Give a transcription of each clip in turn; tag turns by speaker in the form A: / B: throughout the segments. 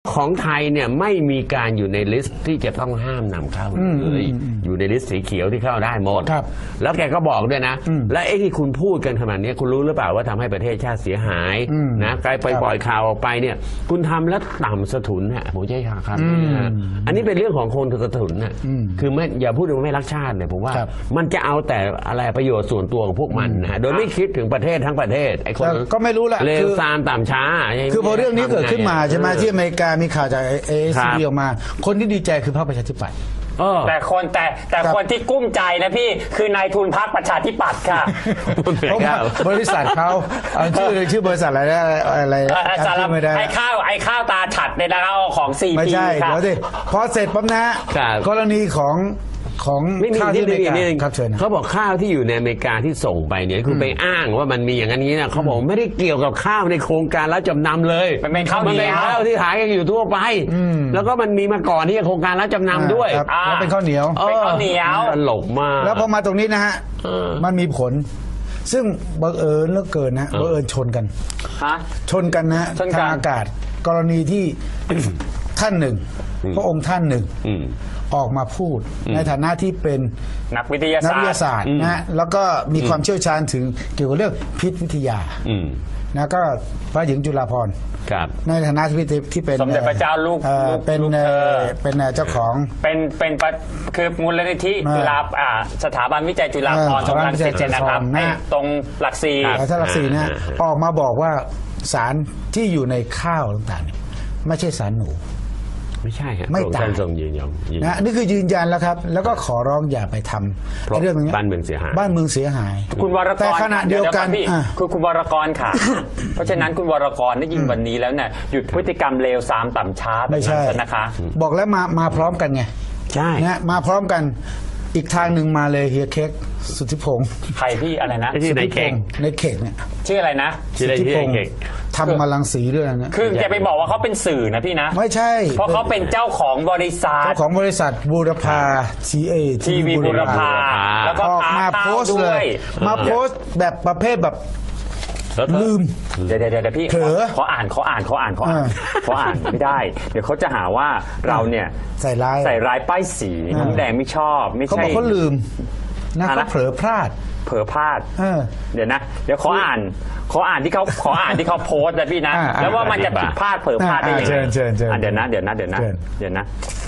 A: ของไทยเนี่ยไม่มีการอยู่ในลิสต์ที่จะต้องห้ามนำเข้าเลยอยู่ในลิสต์สีเขียวที่เข้าได้หมดแล้วแกก็บอกด้วยนะและไอ้ที่คุณพูดกันขนาดนี้คุณรู้หรือเปล่าว่าทำให้ประเทศชาติเสียหายนะใครไปปล่อยข่าวออกไปเนี่ยคุณทำแล้วต่ำสะทุนฮะผมใช้คำนี้นะอันนี้เป็นเรื่องของคนสะทุนนะคือไม่อย่าพูดว่าไม่รักชาติเนี่ยผมว่ามันจะเอาแต่อะไรประโยชน์ส่วนตัวของพวกมันนะโดยไม่คิดถึงประเทศทั้งประเทศไอ้คน
B: ก็ไม่รู้แหละ
A: เลวซามต่ำช้า
B: คือพอเรื่องนี้เกิดขึ้นมาใช่ไหมที่อเมริกามีข่าวจากAICDออกมาคนที่ดีใจคือพรรคประชาธิปัตย์
C: แต่คนที่กุ้มใจนะพี่คือนายทุนพรรคประชาธิปัตย์ค่ะ
B: เพราะว่าบริษัทเขาชื่อบริษัทอะไร
C: ไม่ได้ไอ้ข้าวตาฉัดในราคาของCP
B: ไม่ใช่เดี๋ยวสิพอเสร็จปั๊บนะกรณีของ
A: ข้าวที่อเมริกาเขาบอกข้าวที่อยู่ในอเมริกาที่ส่งไปเนี่ยคือไปอ้างว่ามันมีอย่างนี้นะเขาบอกไม่ได้เกี่ยวกับข้าวในโครงการรับจำนำเลย
C: มันเป็นข้าว
A: ที่ขายกันอยู่ทั่วไปแล้วก็มันมีมาก่อนที่โครงการรับจำนำด้วย
B: แล้วเป็นข้าวเหนียว
A: ตลกมาก
B: แล้วพอมาตรงนี้นะฮะมันมีผลซึ่งบังเอิญเหลือเกินนะบังเอิญชนกันนะทางอากาศกรณีที่ท่านหนึ่งพระองค์ท่านหนึ่งออกมาพูดในฐานะที่เป็น
C: นักวิทยาศาสตร์
B: นะแล้วก็มีความเชี่ยวชาญถึงเกี่ยวกับเรื่องพิษวิทยานะก็พระหญิงจุฬาภรณ์ในฐานะที่เป็น
C: สมเด็จพระเจ้าลูก
B: เป็นเจ้าของ
C: เป็นคือมูลนิธิจุฬาสถาบันวิจัยจุฬาภรณ์ตรงรังสิตนะครับตรงหลักสี่
B: นะออกมาบอกว่าสารที่อยู่ในข้าวต่างๆไม่ใช่สารหนู
A: ไม่ใช่ครับ
B: ไม่ตาย
A: ยืนยัน
B: นะนี่คือยืนยันแล้วครับแล้วก็ขอร้องอย่าไปทำเรื่องนี้
A: บ้านเมืองเสียหาย
C: คุณวรกร
B: แต่ขณะเดียวกัน
C: คือคุณวรกรค่ะเพราะฉะนั้นคุณวรกรได้ยินวันนี้แล้วเนี่ยหยุดพฤติกรรมเลวทรามต่ำช้า
B: ไม่ใช่
C: นะคะ
B: บอกแล้วมาพร้อมกันไง
A: ใช่
B: นะมาพร้อมกันอีกทางหนึ่งมาเลยเฮียเค้กสุทธิพงศ์
C: ใครพี่อะไรนะ
A: ในเค้
B: กเนี่ย
C: ชื่ออะไรนะ
A: สุทธิพงศ์
B: ทำมาลังสีด้วยนะ
C: คือจะไปบอกว่าเขาเป็นสื่อนะพี่นะ
B: ไม่ใช่
C: เพราะเขาเป็นเจ้าของบริษัท
B: บูรพา
C: ทีวีบูรพาแล้วก็
B: มาโพสต์เลยมาโพสต์แบบประเภทแบบลืม
C: เดี๋ยวพี่ขออ่านไม่ได้เดี๋ยวเขาจะหาว่าเราเนี่ย
B: ใส่ร้
C: ายป้ายสีน้ำแดงไม่ชอบไม่ใช่
B: เขาบอกเขาลืมนะเขาเผลอพลาด
C: เดี๋ยวนะเดี๋ยวขออ่านที่เขาโพสต์นะพี่นะแล้วว่ามันจะผิดพลาดเผลอพลาดได้ยังไงเดี๋ยวนะ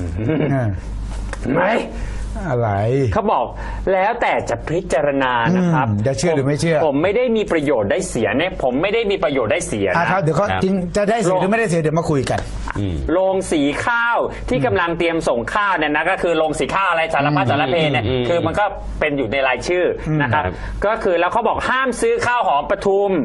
C: ไม่
B: อะไร
C: เขาบอกแล้วแต่จะพิจารณานะครับ
B: จะเชื่อหรือไม่เชื่อ
C: ผมไม่ได้มีประโยชน์ได้เสียเนี่ยผมไม่ได้มีประโยชน์ได้เสีย
B: นะครับเดี๋ยวเขาจริงจะได้เสียหรือไม่ได้เสียเดี๋ยวมาคุยกัน
C: โรงสีข้าวที่กำลังเตรียมส่งข้าวเนี่ยนะก็คือโรงสีข้าวอะไรสารพัดสารเพเนี่ยคือมันก็เป็นอยู่ในรายชื่อนะครับก็คือแล้วเขาบอกห้ามซื้อข้าวหอมปทุม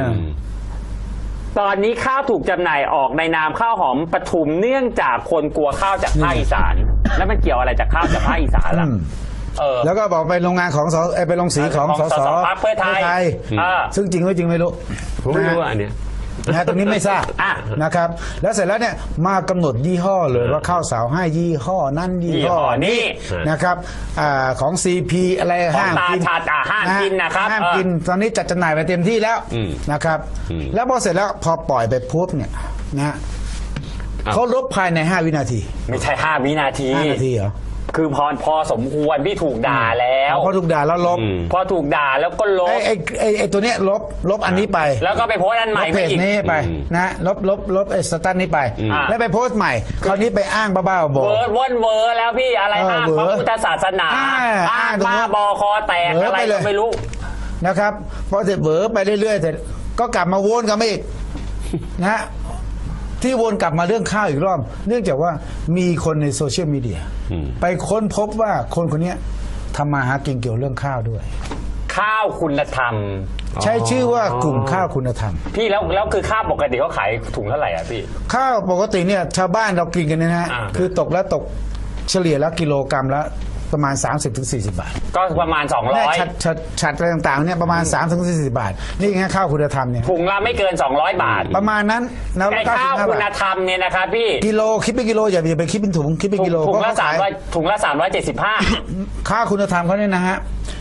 C: ตอนนี้ข้าวถูกจำหน่ายออกในนามข้าวหอมปทุมเนื่องจากคนกลัวข้าวจากภาคอีสานแล้วมันเกี่ยวอะไรจากข้าวจากภาคอีสานล่ะ
B: แล้วก็บอกไปโรงงานของไปโรงสีของสส
C: พรรคเพื่อไทย
B: ซึ่งจริงไม่จริงไม่รู้
A: ผมไม่รู้อันเนี้ย
B: ตรงนี้ไม่ทราบนะครับแล้วเสร็จแล้วเนี่ยมากำหนดยี่ห้อเลยว่าข้าวสาวให้ยี่ห้อนั้นยี่ห้อนี้นะครับของ CP อะไรห้ามกิน
C: นะครับ
B: ห้ามกินตอนนี้จัดจำหน่ายไปเต็มที่แล้วนะครับแล้วพอเสร็จแล้วพอปล่อยไปปุ๊บเนี่ยนะเขาลบภายใน5วินาที
C: ไม่ใช่5วินาที
B: เหรอ
C: คือพอสมควรพี่ถูกด่าแล้ว
B: พอถูกด่าแล้วลบ
C: พอถูกด่าแล้วก็ลบ
B: ไอ้ตัวเนี้ยลบอันนี้ไป
C: แล้วก็ไปโพสต์อันใหม่
B: เพจนี้ไปนะลบไอ้สตันนี้ไปแล้วไปโพสต์ใหม่คราวนี้ไปอ้างบ้าๆบอ
C: เวอร์แล้วพี่อะไรอ้างพระพุทธศาสนาอ้างบ้าบอคอแตกอะไรก็ไม่รู้
B: นะครับพอเสร็จเวอร์ไปเรื่อยๆเสร็จก็กลับมาวนกันมาอีกนะที่วนกลับมาเรื่องข้าวอีกรอบเนื่องจากว่ามีคนในโซเชียลมีเดียไปค้นพบว่าคนคนนี้ทำมาหากินเกี่ยวเรื่องข้าวด้วย
C: ข้าวคุณธรรม
B: ใช้ชื่อว่ากลุ่มข้าวคุณธรรม
C: พี่แล้วคือข้าวปกติเขาขายถุงเท่าไหร่อ่ะพี่
B: ข้าวปกติเนี่ยชาวบ้านเรากินกันนะฮะคือตกเฉลี่ยแล้วกิโลกรัมละประมาณ 30-40 บาท
C: ก็ประมาณ200
B: ชัดอะไรต่างๆเนี่ยประมาณ 30-40 บาทนี่ไงข้าวคุณธรรมเนี่ย
C: ถุงละไม่เกิน200 บาท
B: ประมาณนั้น
C: ไอ้ข้าวคุณธรรมเนี่ยนะครับพี่
B: กิโลคิดเป็นกิโลอย่าไปคิดเป็นถุงคิดเป็นกิโล
C: ถุงละ375
B: ข้าวคุณธรรมเขาเนี่ยนะฮะ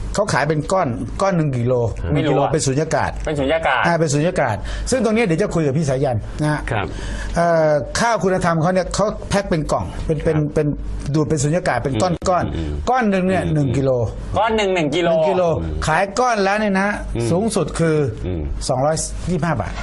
B: เขาขายเป็นก้อน1 กิโล
C: ไม่รู้
B: 1 กิโล
C: อะ
B: เป็นสุญญากาศ
C: เป็นสุญญากาศ
B: เป็นสุญญากาศ ซึ่งตรงนี้เดี๋ยวจะคุยกับพี่สายันนะฮะ
A: ครับ
B: ข้าวคุณธรรมเขาเนี่ยเขาแพ็คเป็นกล่องเป็นดูดเป็นสุญญากาศเป็นก้อนหนึ่งเนี่ย1 กิโล
C: ก้อนหนึ่ง1 กิโล
B: 1 กิโลขายก้อนแล้วเนี่ยนะสูงสุดคือ225 บาท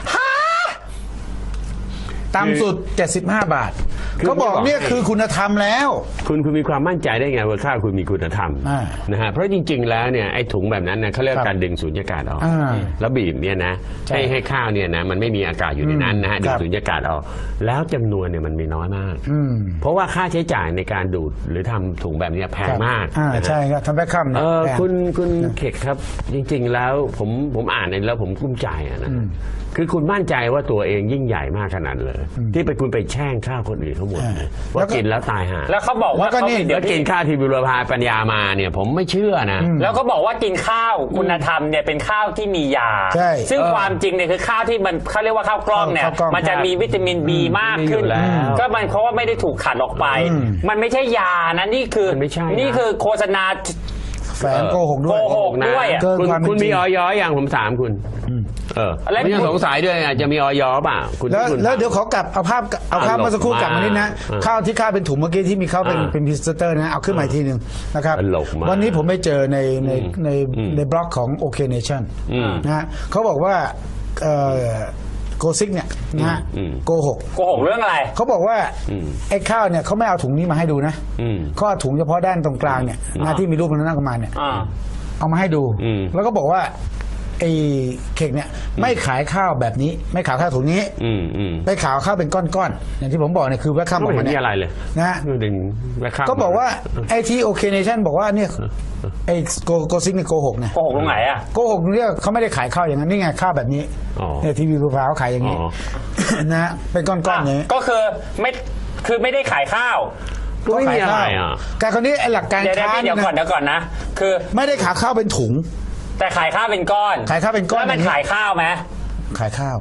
B: ต่ำสุด75 บาท
A: คือ
B: เขาบอกเนี่ยคือคุณธรรมแล้ว
A: คุณมีความมั่นใจได้ไงว่าข้าวคุณมีคุณธรรม
B: อ่า
A: นะฮะเพราะจริงๆแล้วเนี่ยไอ้ถุงแบบนั้นเนี่ยเขาเรียก
B: ครับ
A: การดึงสูญญากาศออก
B: อ่า
A: แล้วบีบเนี่ยนะ
B: ใช่
A: ให้ข้าวเนี่ยนะมันไม่มีอากาศอยู่ในนั้นนะฮะ
B: ค
A: ดึ
B: รั
A: ง
B: บ
A: สูญญากาศออกแล้วจำนวนเนี่ยมันมีน้อยมาก
B: อืม
A: เพราะว่าค่าใช้จ่ายในการดูดหรือทำถุงแบบเนี้ยแพงมากนะฮะ
B: ใช่ครับทำแบ็คคัม
A: คุณเขตครับจริงๆแล้วผมอ่านในแล้วผมกุ้มใจอะนะคือคุณมั่นใจว่าตัวเองยิ่งใหญ่มากขนาดเลย ที่ไปคุณไปแช่งข้าวคนอื่นทั้งหมดเลยว่ากินแล้วตายห่า
C: แล้วเขาบอกว่า
B: แล้วก็นี่
C: เดี๋
A: แล้
C: ยว ว
A: กินข้าวที่บุรพาปัญญามาเนี่ยผมไม่เชื่อนะ
C: แล้วก็บอกว่ากินข้าวคุณธรรมเนี่ยเป็นข้าวที่มียา
B: ใช่
C: ซึ่งความจริงเนี่ยคือข้าวที่มันเขาเรียกว่าข้าวกล้องเนี่ย
B: ข้าวกล้อง
C: มันจะมีวิตามินบีมากขึ้น
A: มีอยู่แล้ว
C: ก็มันเพราะว่าไม่ได้ถูกขัดออกไป มันไม่ใช่ยานะนี่คือ
A: มันไม่ใช่นะ
C: นี่คือโฆษณา
B: แฝงโกหกด้วย
C: โกหก ด้วยอะ
B: เกิน
A: คุณ
B: ความเป็น
A: คุณ
B: จริ
A: มี
B: ง
A: ออยอย่างผมถามคุณ
C: แล้ว
A: ไม่ยังสงสัยด้วยอาจจะมีออยเปล่าคุณ
B: แล้ว
A: คุณ
B: แล้วเดี๋ยวขอกลับเอาภาพเมื่อสักครู่กลับมานิดนะ
A: อ่า
B: ข้าวที่ข้าวเป็นถุงเมื่อกี้ที่มีข้าวเป็นพรีเซนเตอร์นะเอาขึ้นมาอีกทีหนึ่งนะครับ
A: ตลกมาก
B: วันนี้ผมไปเจอในบล็อกของ OK Nation นะฮะเขาบอกว่าโกซิกเนี่ยนะฮะโกหก
C: โกหกเรื่องอะไร
B: เขาบอกว่าไอ้ข้าวเนี่ยเขาไม่เอาถุงนี้มาให้ดูนะ
A: อืม
B: เขาเอาถุงเฉพาะด้านตรงกลางเนี่ยนะที่มีรูปมันนั่งกันมาเนี่ย
C: อ่า
B: เอามาให้ดู
A: อืม
B: แล้วก็บอกว่าไอ้เค้กเนี่ยไม่ขายข้าวแบบนี้ ไม่ขายข้าวถุงนี้
A: อืม
B: ไปขายข้าวเป็นก้อนๆอย่างที่ผมบอกเนี่ยคือแวคคัม
A: ก็
B: ออ
A: ไม่
B: ก
A: เห็
B: มาน
A: มี
B: เนี่ย
A: อะไรเลย
B: นะฮะ
A: ดึงแม่ข้าว
B: ก็บอกว่าไอ้ที่โอเคเนชั่นบอกว่าเนี่ยไอ้โกซิกเนี่ยโกหกนะ
C: โกหกตรงไหนอ่ะ
B: โกหกเนี่ยเขาไม่ได้ขายข้าวอย่างนั้นนี่ไงข้าวแบบนี้
A: อ๋อ
B: เนี่ยทีวีภูฟ้าเขาขายอย่างนี้
A: อ๋อ
B: นะฮะเป็นก้อนๆอย่างนี้
C: ก็คือไม่ได้ขายข้าว
A: ก็ไม่มีอะไรอ่ะ
B: การคนนี้ไอ้หลักการ
C: เดี๋ยว
B: ค้า
C: พี่เดี๋ยวก่อน
B: นะ
C: นะ คือ
B: ไม่ได้ขายข้าวเป็นถุง
C: แต่ขายข้าวเป็นก้อน
B: ขายข้าวเป็นก้อน
C: แล้วมันขายข้าวไหม
B: ขายข้าว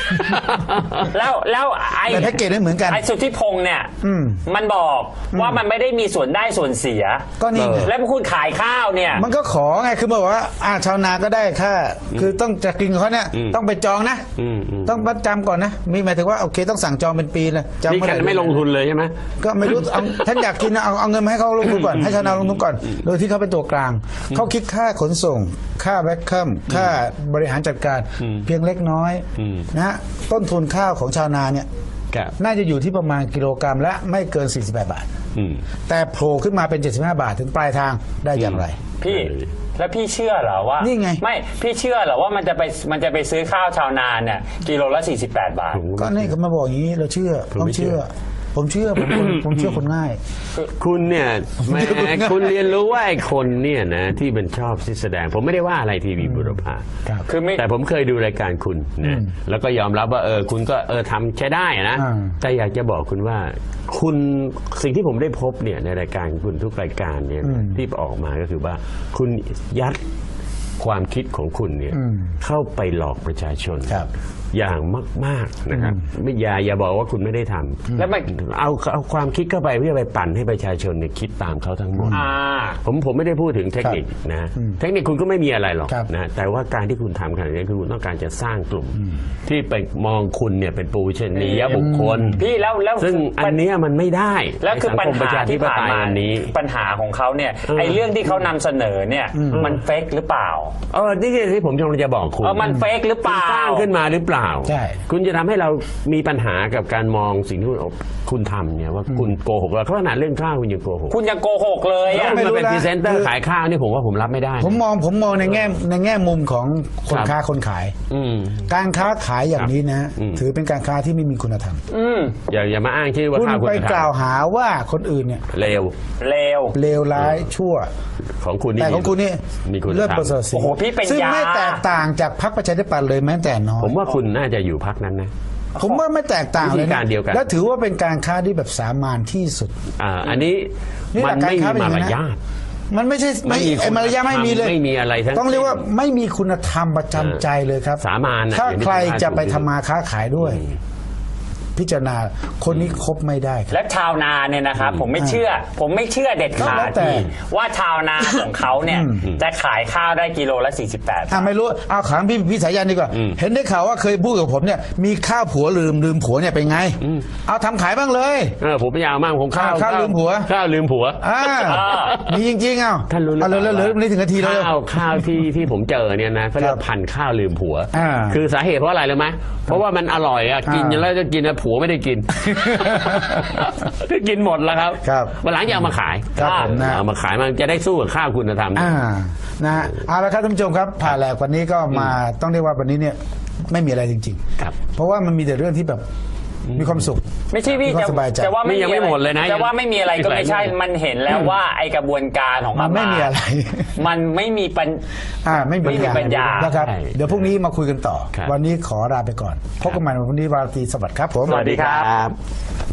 C: แล้วไอ้
B: แต่แพ็กเกจไม่เหมือนกัน
C: ไอ้สุทธิพงษ์เนี่ย
B: อืม
C: มันบอกว่ามันไม่ได้มีส่วนได้ส่วนเสีย
B: ก็นี่ไง
C: แล้วคุณขายข้าวเนี่ย
B: มันก็ขอไงคือบอกว่าชาวนาก็ได้ค่าคือต้องจะกินเขาเนี่ยต้องไปจองนะ ต้องประจำก่อนนะมีหมายถึงว่าโอเคต้องสั่งจองเป็นปีเลยจอง
A: นี่กันไม่ลงทุนเลยใช่ไหม
B: ก็ไม่รู้เอาท่านอยากกินนะเอาเงินมาให้เขาลงทุนก่อนให้ชาวนาลงทุนก่อนโดยที่เขาเป็นตัวกลางเขาคิดค่าขนส่ง ค่าแวคคัมค่าบริหารจัดการเพียงเล็กน้อยนะฮะต้นทุนข้าวของชาวนาเนี่ย
A: ครับ
B: น่าจะอยู่ที่ประมาณกิโลกรัมละไม่เกิน48 บาท แต่โผล่ขึ้นมาเป็น75 บาทถึงปลายทางได้อย่างไร
C: พี่แล้วพี่เชื่อเหรอว่า
B: นี่ไง
C: ไม่พี่เชื่อเหรอว่ามันจะไปซื้อข้าวชาวนาเนี่ยกิโลละ48 บาท
B: ก็นี่เขามาบอกอย่างนี้เราเชื่อ
A: ผม
B: ต้อง
A: ไม่เชื่
B: เชื่
A: อ
B: อ ผมเชื่อผมเชื่อคนง่าย
A: คุณเนี่ยแหมคุณเรียนรู้ว่าไอ้คนเนี่ยนะที่มันชอบที่แสดง ผมไม่ได้ว่าอะไรทีวีบุรพา
B: ครับ
C: คือไม่
A: แต่ผมเคยดูรายการคุณนะแล้วก็ยอมรับว่าคุณก็ทำใช้ได้นะ
B: อ่า
A: แต่อยากจะบอกคุณว่าคุณสิ่งที่ผมได้พบเนี่ยในรายการคุณทุกรายการเนี่ยที่ออกมาก็คือว่าคุณยัดความคิดของคุณเนี่ยเข้าไปหลอกประชาชน
B: ครับ
A: อย่างมากๆนะครับไม่อย่าบอกว่าคุณไม่ได้ทำ
C: แล้วมัน
A: เอาความคิดเข้าไปเพื่อไปปั่นให้ประชาชนเนี่ยคิดตามเขาทั้งหมด ผมไม่ได้พูดถึงเทคนิคนะเทคนิคคุณก็ไม่มีอะไรหรอก
B: ครับ
A: นะแต่ว่าการที่คุณทำขนาดนี้คือคุณต้องการจะสร้างกลุ่ม ที่ไปมองคุณเนี่ยเป็นปูชนียบุคคล
C: พี่แล้ว
A: ซึ่งอันเนี้ยมันไม่ได้
C: แล้วคือ
A: ใน
C: ปัญ
A: สังคมประ
C: หา
A: ชาธิ
C: ที่
A: ป
C: ผ่าน
A: ไตย
C: มา
A: วันนี้
C: ปัญหาของเขาเนี่ยไอ้เรื่องที่เขานำเสนอเนี่ยมันเฟกหรือเปล่า
A: นี่คือที่ผมกำลังจะบอกคุณ
C: มันเฟกหรือเปล่า
A: คุณสร้างขึ้นมาหรือเปล่า
B: ใช่
A: คุณจะทำให้เรามีปัญหากับการมองสิ่งที่คุณทำเนี่ยว่าคุณโกหกเราขนาดเรื่องข้าวคุณยังโกหก
C: คุณยังโกหกเลย
A: ถ้า
C: อะ
A: คุณมาเป็น
B: ไม่รู้นะ
A: พรีเซนเตอร์ขายข้าวนี่ผมว่าผมรับไม่ได้นะ
B: ผมมองในแง่มุมของคน
A: ครับ
B: ค้าคนขาย
A: อืม
B: การค้าขายอย่างนี้นะ
A: อืม
B: ถือเป็นการค้าที่ไม่มีคุณธรรม
A: อย่ามาอ้างชื่อว่า
B: คุณ
A: ข้าวคุณ
B: ไป
A: ธรรม
B: กล่าวหาว่าคนอื่นเนี่ย
A: เลว
C: เลว
B: เลวร้ายชั่ว
A: ของคุณนี่
B: แต่ของคุณนี่
A: มีคุณ
B: เลิศ
A: ธรร
B: ประเสริฐ
A: ม
B: ศรี
C: โอ้โหพี่เป็น
B: ซึ่ง
C: ยา
B: ไม่แตกต่างจากพรรคประชาธิปัตย์เลยแม้แต่น้อย
A: ผมว่าคุณน่าจะอยู่พักนั้นนะ
B: ผมว่าไม่แตกต่างเลย
A: วิธีการ
B: นะ
A: เดียวกัน
B: และถือว่าเป็นการค้าที่แบบสามานที่สุด
A: อันนี้
B: นี่
A: มัน
B: หลักการ
A: ไม่
B: ค้า
A: มี
B: เป็นอย่าง
A: มาร
B: นั้นนะ
A: ยาท
B: มันไม่ใช่ไม่
A: ไม่มี
B: ไอ้มารยาทไม่มีเลย
A: ไม่มีอะไรทั้ง
B: ต้องเรียกว่าไม่มีคุณธรรมประจำใจเลยครับ
A: สามัญน่ะ
B: ถ้า
A: อย่างที่
B: ใคร
A: ผมว่า
B: จะไป
A: ถูก
B: ทำมาค้าขายด้วยพิจารณาคนนี้คบไม่ได้ครับ
C: และชาวนาเนี่ยนะครับผมไม่เชื่อเด็ดขา
B: แล้
C: ด
B: วแต่
C: ว่าชาวนาของเขาเนี่ยจะขายข้าวได้กิโลละ48
B: ไม่รู้เอาขังพี่สายันดีกว่า เห็นได้ข่าวว่าเคยพูดกับผมเนี่ยมีข้าวผัวลืมผัวเนี่ยเป็นไง เอาทำขายบ้างเลย
A: ผมไม่ยาวมากผมข้าว
B: ข้าวลืมผัว
A: ข้าวลืมผัว
B: มีจริงๆเอา
A: ท่านรู้หรือเปล่า
B: เหลือนี่ถึงนาทีแล้ว
A: ข้าวที่ผมเจอเนี่ยนะเขาเรียกพันธุ์ข้าวลืมผัว คือสาเหตุเพราะอะไรรู้ไหมเพราะว่ามันอร่อยอ่ะกินแล้วจะกินผัวไม่ได้กิน กินหมดแล้วครับ
B: ครับ
A: วันหลังจะเอามาขาย
B: ครับผมนะ
A: เอามาขายมันจะได้สู้กับข้าวคุณธรรม
B: นะฮะเอาละครับท่านผู้ชมครับผ่าแหลกวันนี้ก็มาต้องเรียกว่าวันนี้เนี่ยไม่มีอะไรจริง
A: ครับ
B: ๆ เพราะว่ามันมีแต่เรื่องที่แบบมีความสุข
C: ไม่ใช่พี่
B: มีความสบายใจ
C: จะว่า
A: นี่ยังไม่หมดเลยนะ
C: จะว่าไม่มีอะไรก็ไม่ใช่มันเห็นแล้วว่าไอกระบวนการของ
B: มันไม่มีอะไร
C: มันไม่มีปัญ
B: ไม่มี
C: ไม่มีปัญญา
B: นะครับ
A: ใช่
B: เดี๋ยวพรุ่งนี้มาคุยกันต่อ
A: ครับ
B: วันนี้ขอลาไปก่อนพบกันใหม่วันพรุ่งนี้วันอาทิตย์สวัสดีครับผม
C: สวัสดีครับ